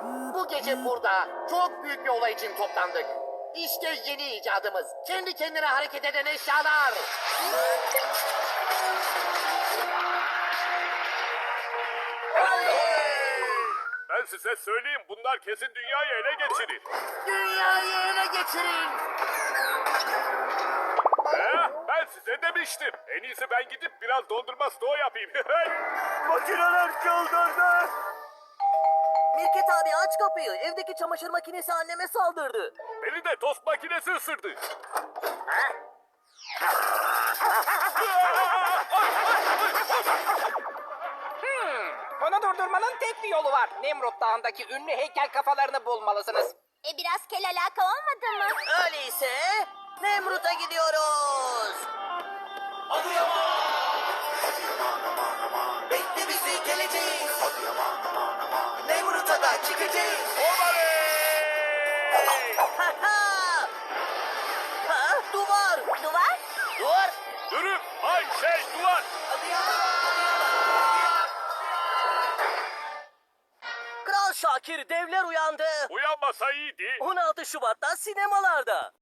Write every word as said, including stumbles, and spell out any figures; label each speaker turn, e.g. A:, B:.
A: Bu gece burada çok büyük bir olay için toplandık. İşte yeni icadımız. Kendi kendine hareket eden eşyalar.
B: Ben size söyleyeyim, bunlar kesin dünyayı ele geçirir.
A: Dünyayı ele geçirin.
B: He, ben size demiştim. En iyisi ben gidip biraz dondurma stoğu yapayım.
C: Makineler çıldırdı. Mirket abi aç kapıyı. Evdeki çamaşır makinesi anneme saldırdı.
B: Beni de tost makinesi ısırdı.
D: Bunu durdurmanın tek bir yolu var. Nemrut Dağı'ndaki ünlü heykel kafalarını bulmalısınız.
E: E biraz kel alaka olmadı mı?
C: Öyleyse Nemrut'a gidiyoruz. Bekle bizi geleceğiz. Nemrut'a da çıkacağız.
B: Oley!
C: Ha ha! Ha, duvar.
E: Duvar?
C: Duvar.
B: Durun, ay şey duvar.
C: Kral Şakir, devler uyandı.
B: Uyanmasa iyiydi.
C: on altı Şubat'ta sinemalarda.